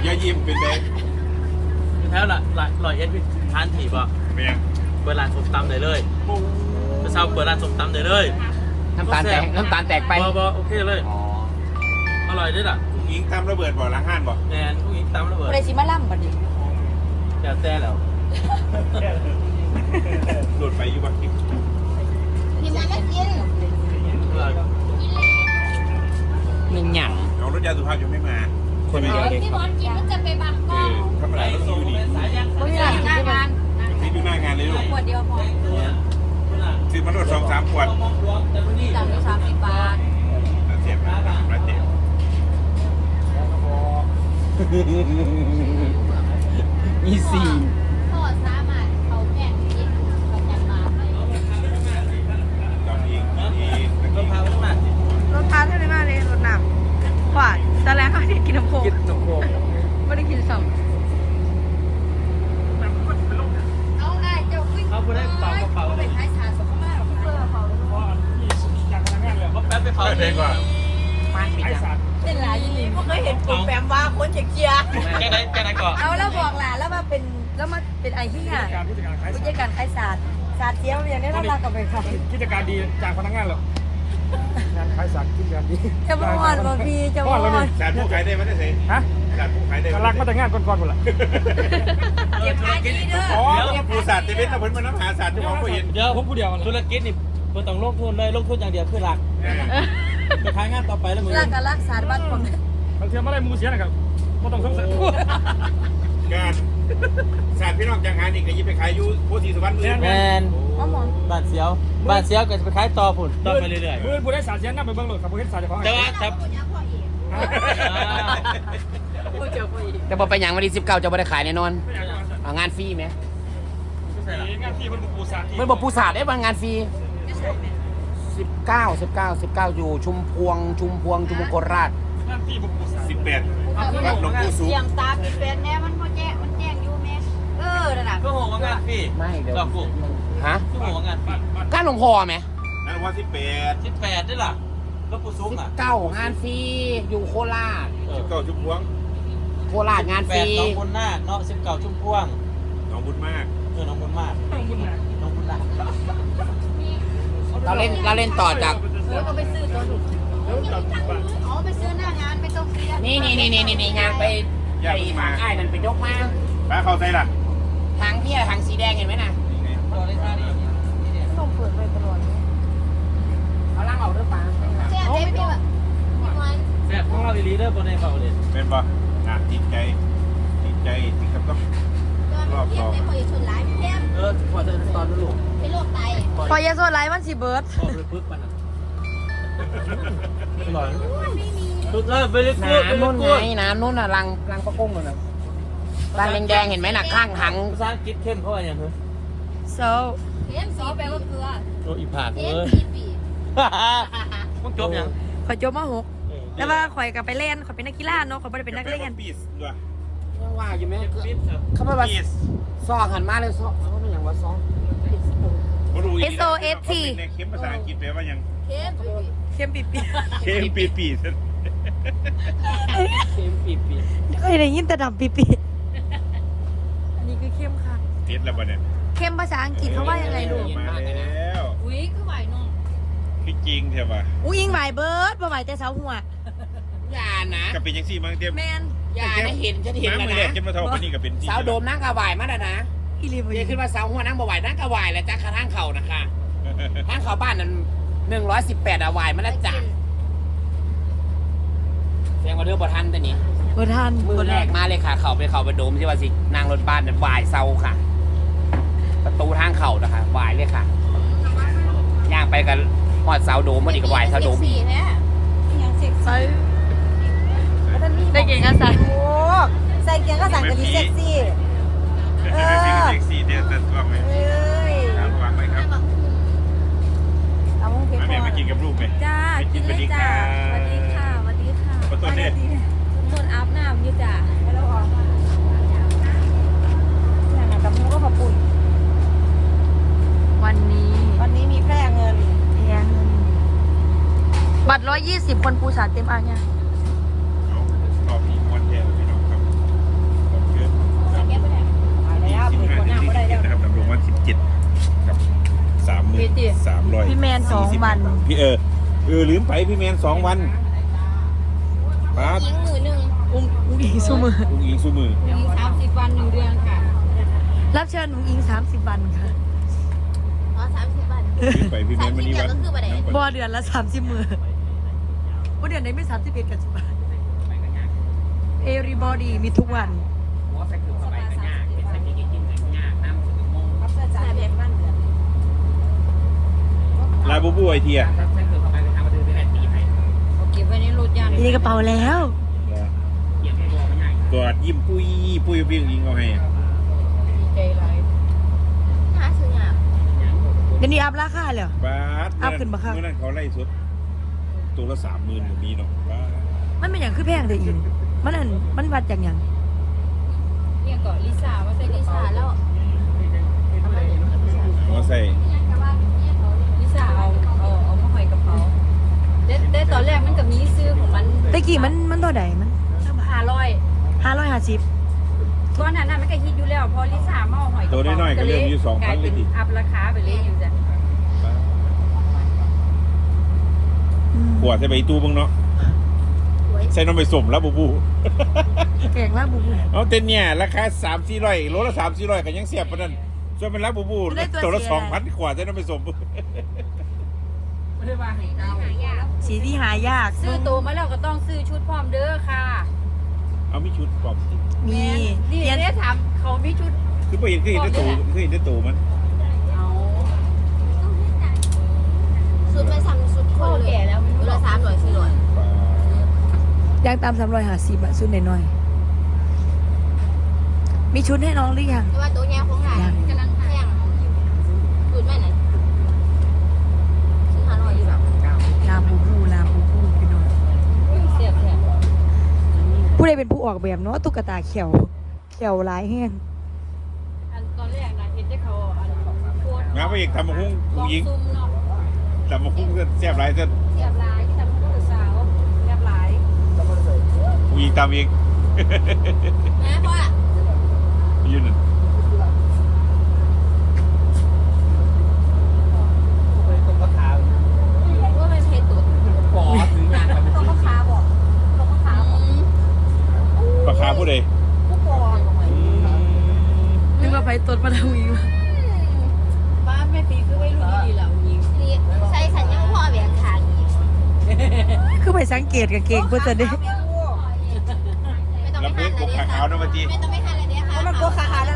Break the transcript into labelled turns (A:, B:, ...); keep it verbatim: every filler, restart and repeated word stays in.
A: อย่ายิ้มเป็นเด็ก
B: แล้วล่ะลอยเอ็ดวิทานถีบอ่ะ
A: เป็นยัง
B: เปิดร้านส้มตำได้เลยไปเช่าเปิดร้านส้มตำได้เลย
C: น้ำตาลแตกน้ำตาลแตกไป
B: บอบอโอเคเลยอร่อยด้วยล่ะ
A: ผู้หญิงตำระเบิดบ่อล้างห้านบ่
B: แมนผู้หญิงตำระเบิด
D: อะไรสิมาล่ำบัดนี้
B: เดี๋ยวแต่แล้ว
A: หลุดไปอยู่บ้างกิน
D: พี่มันไม่กิน
C: มันหยั่ง
A: เอารถยาสุภาพยังไม่มา
C: คนเดียวเด็ก
D: พี่บอลกินมันจะไปบังกล้อง
A: ธรรมดาต้องอยู่ดี
D: ไม่ได้หน้างาน
A: นี่ดูหน้างานเลยลูก
D: ขวดเดียวพอ
A: ซื้อมาโดดสองสามขวด
D: จากที่สามสิบบาท
A: แล้วเจ็บนะแล้วเจ็บ
C: มีสี่
D: พ่อสามารถเขาแข่งกินประจำมา
A: ตอนนี้นี่
B: รถพาไปมาก
E: รถพาเท่าไหร่มากเลยรถหนักกว่าจะแล้วเขาได้กินน้ำโขง
C: กินน้ำโขง
E: ไม่ได้กินสอง
D: เอาง่ายเจ้าขึ้น
B: เขาไปได้เป่ากระเป๋าเลย
D: เป็นท้ายชาสุขภาพเพื่อเขา
B: เขาแป๊บไปเผา
A: เด็กกว่า
C: มันปิดอ่ะ
D: เป็นหลายยี่ลีไม่เคยเห็นกลุ่มแฟมว่าคนเชียร์
B: แกไหนแกไหนก่อน
D: เอาแล้วบอกหลานแล้วมาเป็นแล้วมาเป็นไอ้ที่อ่ะผู้จัดการขายศาสตร์ศาสตร์เจี๊ยบอย่างนี้น่ารักกับไปค่ะ
F: กิจการดีจากพนักงานเหรองานขายสัตว์กิจการดี
D: จะมอนบางทีจะมอน
A: ศาสตร์ผู้ขายได้ไหมได้สิ
F: ฮะ
A: ศาสตร์ผู้ขายได้
F: รักมาแต่งานก่อนๆหมดละ
D: เก็บขายดีเด้อ
A: อ๋อผู้ศาสตร์จะเป็นเราเพิ่นมาน้ำหาศาสตร์ที่มองก็เห็น
B: เดี๋ยวผมผู้เดียวธุรกิจนี่เพิ่นต้องลงทุนเลยลงทุนอย่างเดียวคือหลักไปขายงานต่อไปแล้วมึง
D: รักกับรักษาบ้านผม
F: บางทีไม่ได้มูเสียนะครับไม่ต้องสงสัย
A: การศาสตร์พี่น้องจังหารนี่ก็ยิบไปขายอยู่โพธิสุวรรณมือ
B: แมนบ้านเสียวบ้านเสียวก็จะไปขายต่อผุนต่อไปเรื่อย
F: ๆมือผู้ได้สารเสียนั่งไปเบิ้งหลดขับรถเห็นสารจะพอ
B: แต่ว่าแต่
C: แต่พอไปอย่างวันที่สิบเก้าจะไม่ได้ขายแน่นอนงานฟรีไหม
F: งานฟรีมันปูสาด
C: มันบอกปูสาดได้บางงานฟรีสิบเก้าสิบเก้าสิบเก้าอยู่ชุมพวงชุมพวงชุมพวงโคราช
F: งานฟรีมันปูสาด
A: สิบแปดวัดหลวงปู่สุข
D: เตรียมตาปิดเป็นแน่มันโมแจ้มันแจ้งอยู่แม่เออระดับ
B: ก็โหว่างานฟรี
C: ไม่เดี๋ยว
B: ฮะก็โหว่างานฟรี
C: ก้านหลวงพ่อไหม
A: นั่นว่าสิบแปด
B: สิบแปดได้หรอแล้วปู่ซุกอ่ะ
C: เก้างานฟรีอยู่โคราช
A: สิบเก้าชุมพวง
C: โคราชงานฟรี
B: น้องบุญนาคเนาะสิบเก้าชุ่มพวง
A: น้องบุญมาก
B: เออน้องบุญมากน้องบุญนาคน้องบุญนาค
C: เราเล่นเราเล่นต่อจาก
D: แล้วก็ไปซื้อตัวดุอ๋อไปซื้อหน้างานไปตรงนี้
C: นี่นี่นี่นี่นี่งานไปไปทางอ้ายนั่นไปยกมา
A: ป้าเข้าใจล่ะ
C: ทางที่ทางสีแดงเห็นไหมน่ะ
D: ต้องเปิดไปตลอด
C: เอาล่างออกด้วยป้า
D: แซ่บเด็ดด้วย
B: แซ่บของเราอีลีเดอร์บนในเขาเลย
A: เป็นป่ะอ่ะติดใจติดใจติดกับต้องรอบสอง
B: เออพอเธอตอนลูก
D: เป็นโรคไต
E: พอยาโซไลท์มันสิเบิร์ด
B: พอเลยปึ๊บมันอ่ะอร่อยทุกเออไปเลยกู
C: น้ำนุ่นไงน้ำนุ่นอ่ะรังรังปลากุ้งเลยนะรังแดงๆเห็นไหมน่ะข้างหัง
B: ภาษาอังกฤษเข้มเขาอะไรอย่างเงี้ย
E: so
D: เข้มสีแปลว่าเกลือ
B: โอ้อีผากเออมึงจบยัง
E: ข่อยจบมาหกแต่ว่าข่อยกับไปเล่นข่อยเป็นนักกีฬาเนาะข่อยไม่ได้เป็นนักเล่น
A: ปีสด้วย
C: ว่าอยู่ไหมเขาไม่ว่าซอหันมาเลยซอเขาไม่อย่างว่าซอ
E: S O S T
A: เข้มภาษาอังกฤษแปลว่ายัง
D: เข้ม
E: เข้มปีปี
A: เข้มปีปี
C: เข้มปีปี
E: เคยได้ยินแต่ดำปีปีอันนี้คือเข้มค่ะ
A: เท็ดแล้วป่ะเนี่ย
E: เข้มภาษาอังกฤษเขาว่ายังไงลูก
A: มาแล้ว
D: อุ้ยคือไหวน้อง
A: คือจริงใช่ป่ะ
E: อุ้ยยิงไหวเบิร์ดบ่ไหวแต่เสาหัว
C: อย่านะ
A: กับเป็นยังสี่มั้งเต็ม
E: แมน
C: อย่านะเห็นฉันเห็นแล้วนะ
A: เก็บมาเท่านี้กับเป็น
C: สาวโดมนั่งกระวายมาแล้วนะ
E: อีลีบ
C: เดี๋ยวขึ้นมาสาวหัวนั่งกระวายนั่งกระวายแล้วจ้าข้างเขานะคะข้างเขาบ้านนั้นหนึ่งร้อยสิบแปดอวายมาแล้วจ้าแสดงว่าเรื่องบทันแต่นี้
E: บทัน
C: มือแรกมาเลยค่ะเขาไปเขาไปโดมที่ว่าสินางรถบ้านนั้นวายเซาค่ะประตูทางเขานะคะวายเลยค่ะย่างไปกันหอดเสาโดมมันอีกวายเสาโดมอีก
E: ใส่ได้เก่งอาสา
D: โอ้ใส่เกียงก็สั่งกันดีเซ็กซี่
A: เออเซ็กซี่เด็ดแต่ตัวไหมเอ้ยวางไว้ครับ
D: เอามุ้งเพชร
A: แม่มากินกับลูกไหม
E: จ้ากินเลยจ้าสวัสดีค่ะสวัสดีค่ะ
A: ขอโทษเนี่ย
E: ต้นอาบน้ำอยู่จ้า
D: แล้วออกอย่างนั้นกับมุ้งก็ขอบคุณ
E: วันนี้
D: วันนี้มีแพร่เงิน
E: แพร่เงินบัตรร้อยยี่สิบคนปูสาเต็มอ่ะเนี่ย
A: รอบนี้มวนแทนพี่น้องครับ
E: สองวัน
A: พี่เออเออลืมไปพี่แมนสองวันป้า
G: ยิงมือหนึ่ง
E: อุ้งอุ้งอิงสู้มือ
A: อุ้งอิงสู้มือ
G: ยิงสามสิบวันหนึ่งเดือนค่ะ
E: รับเชิญอุ้งอิงสามสิบวันค่ะ
G: อ๋อสามสิบวัน
A: ลืมไปพี่แมนวันนี้วัน
G: สามสิบเดือนก็คือวันไหน
A: น้ำ
E: บ
A: ป
E: อ
A: ลา
E: เดือนละสามสิบมือว่าเดือนไหนไม่สามสิบเอ็ดกันสิบบาท everybody มีทุกวัน
C: หัวใส่คือสบายกันยากเป็นใส่กินกินกันยากน้ำถึงโมง
G: รับประจานแบบบ้านเดือน
A: ลาบูบูไอเทีย
C: ใส่คือสบายกันทำมาดื้อได้ตีไป
G: เอาเก็บไว้ในรถยาน
E: มีในกระเป๋าแล้ว
C: เหยียบตัวไม่ง่าย
A: กอดยิ้มปุ้ยปุ้ยพี่อุ้งอิงเอาให้
G: ดีใจไรหาซื้อยาก
E: เดี๋ยวนี้อัพราคาเลย
A: บาส
E: เอาขึ้นมาครับ
A: เมื่อนั้นเขาไล่สุดตัวละสามหมื่นก็มีเนาะบาส
E: มันเป็นอย่างคือแพงแต่อินมันอันมันวัดจากอย่าง
G: เนี่ยก่อนลิซ่าว่าใส่ลิซ่าแล้ว
A: หัวใส่
G: ลิซ่าเอาเอาเอามาห้อยกระเป๋าแต่แต่ตอนแรกมันก็มีซื้อของมัน
E: ตะกี้มันมันเท่าไหร่มัน
G: ห้าร้อย
E: ห้าร้อยห้าสิบ
G: ก้อนหนานั้นมันก็ฮิตอยู่แล้วพอลิซ่ามาเอาหอยกระ
A: ตัว
G: เป๋า
A: น้อยๆก็เริ่มอยู่สอง
G: ก
A: พั
G: ลาน ย
A: เล
G: เป็
A: ย
G: น
A: ดิ
G: อัพราคาไปเลยอยู่จ้ะ
A: ขวดใส่ใบตู้บ้างเนาะใส่น้ำไปสมแล้วบูบู
E: แกงลาบบูบู
A: เอาเต้นเนี่ยราคาสามสี่ร้อยโลละสามสี่ร้อยก็ยังเสียบปะนั่นส่วนเป็นรับบูบูตัวละสองพันขวดใส่น้ำไปสม
C: ไม่ได้ว่าให้เอา
E: สีที่หายาก
G: ซื้อโตมาแล้วก็ต้องซื้อชุดพร้อมเด้อค่ะ
A: เอามีชุดปลอมสิ
E: มี
G: นี่
E: เรียน
G: ได้ถามเขามีชุด
A: คือไปเห็นคือเห็นได้ตูคือเห็นได้ตูมัน
G: เอา
H: สุดไปสั่งสุดค
G: พ่อน
H: เล
G: แก่
H: ย
G: แล้วไม่รู้
H: เห
G: หร
H: ลื
G: อ
H: อก สามร้อยสี่ร้อย
E: ยางตามสามร้อยห้าสิบอะชุดหน่อยๆมีชุดให้น้องหรือยัง
H: แต่ว่าตัวแง่ของหลานกำลังแข่งสุดแม่ไหนซื้อห้าร้อยอยู่แบบ
E: ลาบูบูลาบูบูพี่น้อง
G: เสียบแทน
E: ผู้ใดเป็นผู้ออกแบบเนาะตุ๊กตาเขียวเขียวลายแห้ง
G: อันตอนแรกนะเห็นได้เขาอันโคตรง
A: านพระเอกทำมาคุ้ง
G: ล
A: ผู้
G: อง
A: หญิง
G: ซุ่มเนาะ
A: ทำมาคุ้งเสียบไรเส้น
G: เสียบหลายทำผู้สาวเสียบหลาย
A: ผู้หญิงตามเอง
H: แม่พ่อ
A: ยืนนั่น
C: ตัวก็ขา
H: ว่ามันเพชรตุ๊ด
C: ปอดหรืองาน
G: ตัวมะขามบอกตัวมะขามบอก
A: ปลาคาผู้ใด
G: ผู้ปอง
E: นึกว่าไปตดมาทวีมา
G: บ้านแม่ปีคือไว้รุ่นดีๆแล้วยิง
H: นี่ใส่สัญญาพ่อแหวนขาอีก
E: คือไปสังเกตกับเก่งเพื่อจะได้
H: ไม่ต้อง
A: ลำ
H: ไม่
A: เพิ่
H: ทั
A: ง
H: น
A: ก
H: เลย
A: บขาขาวนะมาจี
H: ไม่ต้องไม่ทันเลยเนี่ยค่ะ
D: มันโกขาขาแล้ว